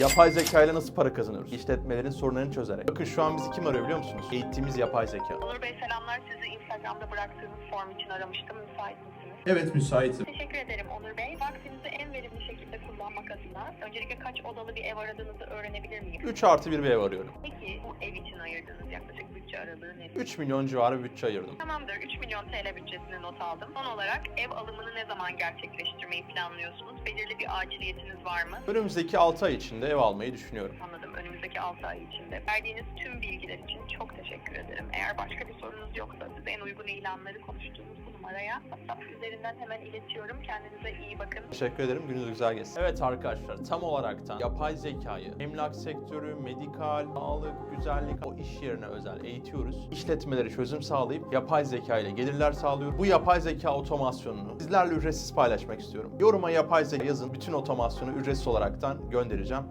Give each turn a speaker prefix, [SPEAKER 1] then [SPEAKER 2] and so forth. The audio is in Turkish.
[SPEAKER 1] Yapay zeka ile nasıl para kazanıyoruz? İşletmelerin sorunlarını çözerek. Bakın şu an bizi kim arıyor biliyor musunuz? Eğittiğimiz yapay zeka.
[SPEAKER 2] Onur Bey selamlar. Sizi Instagram'da bıraktığınız form için aramıştım. Müsait misiniz?
[SPEAKER 3] Evet, müsaitim.
[SPEAKER 2] Teşekkür ederim Onur Bey. Vaktinizi en verimli şekilde kullanmak adına öncelikle kaç odalı bir ev aradığınızı öğrenebilir miyim?
[SPEAKER 1] 3+1 bir ev arıyorum.
[SPEAKER 2] Peki bu ev için ayırdığınız yaklaşık bütçe aralığı nedir?
[SPEAKER 1] 3 milyon civarı bir bütçe ayırdım.
[SPEAKER 2] Tamamdır. 3 milyon TL bütçesini not aldım. Son olarak ev alımını ne zaman gerçekleştirmeyi planlıyorsunuz? Belirli bir aciliyetiniz var mı?
[SPEAKER 1] Önümüzdeki 6 ay içinde ev almayı düşünüyorum.
[SPEAKER 2] Anladım. Önümüzdeki 6 ay içinde. Verdiğiniz tüm bilgiler için çok teşekkür ederim. Eğer başka bir sorunuz yoksa size en uygun ilanları konuştuğumuz bu numaraya WhatsApp üzerinden hemen iletiyorum. Kendinize iyi bakın.
[SPEAKER 1] Teşekkür ederim. Gününüz güzel geçsin. Evet arkadaşlar, tam olaraktan yapay zekayı emlak sektörü, medikal, sağlık, güzellik, o iş yerine özel eğitiyoruz. İşletmeleri çözüm sağlayıp yapay zeka ile gelirler sağlıyor. Bu yapay zeka otomasyonunu sizlerle ücretsiz paylaşmak istiyorum. Yoruma yapay zeka yazın. Bütün otomasyonu ücretsiz olaraktan göndereceğim.